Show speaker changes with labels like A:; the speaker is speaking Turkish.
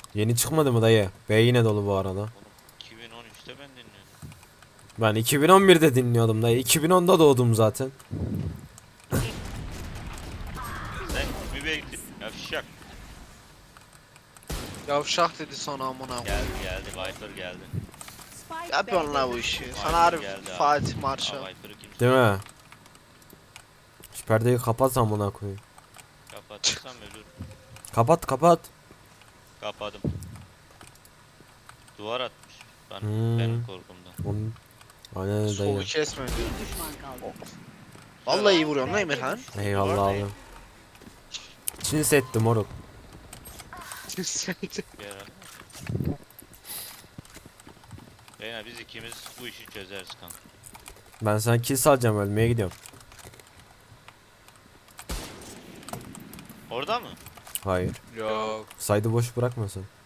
A: Yeni çıkmadı mı dayı? B yine dolu bu arada.
B: Oğlum 2013'te ben dinliyordum.
A: Ben 2011'de dinliyordum dayı. 2010'da doğdum zaten.
B: Sen mi bekledin? Yavşak.
C: Yavşak dedi sonra amına.
B: Geldi Viper geldi.
C: Yapıyorsun la bu işi.
B: Viper
C: Sana harbi
B: geldi abi.
C: Fatih
B: Aa,
C: Marşal.
B: Viper'ı kimse
A: Değil mi? Şu perdeyi kapatsam buna koyayım.
B: kapatırsam ölür.
A: Kapat kapat.
B: Kapadım. Duvar atmış.
A: Hmm.
B: Benim korkumdan.
A: Onun... Aynen öyle
C: Solu
A: dayı.
C: kesme diyor.
D: Bir düşman kaldı.
C: Vallahi iyi vuruyorsun lan Emirhan.
A: Eyvallah abi. Çin setti moruk.
B: Bir ara. Beyler biz ikimiz bu işi çözeriz kanka.
A: Ben sana kill salacağım, ölmeye gidiyorum.
B: Orada mı?
A: Hayır.
C: Yok.
A: Saydı boş bırakmasın.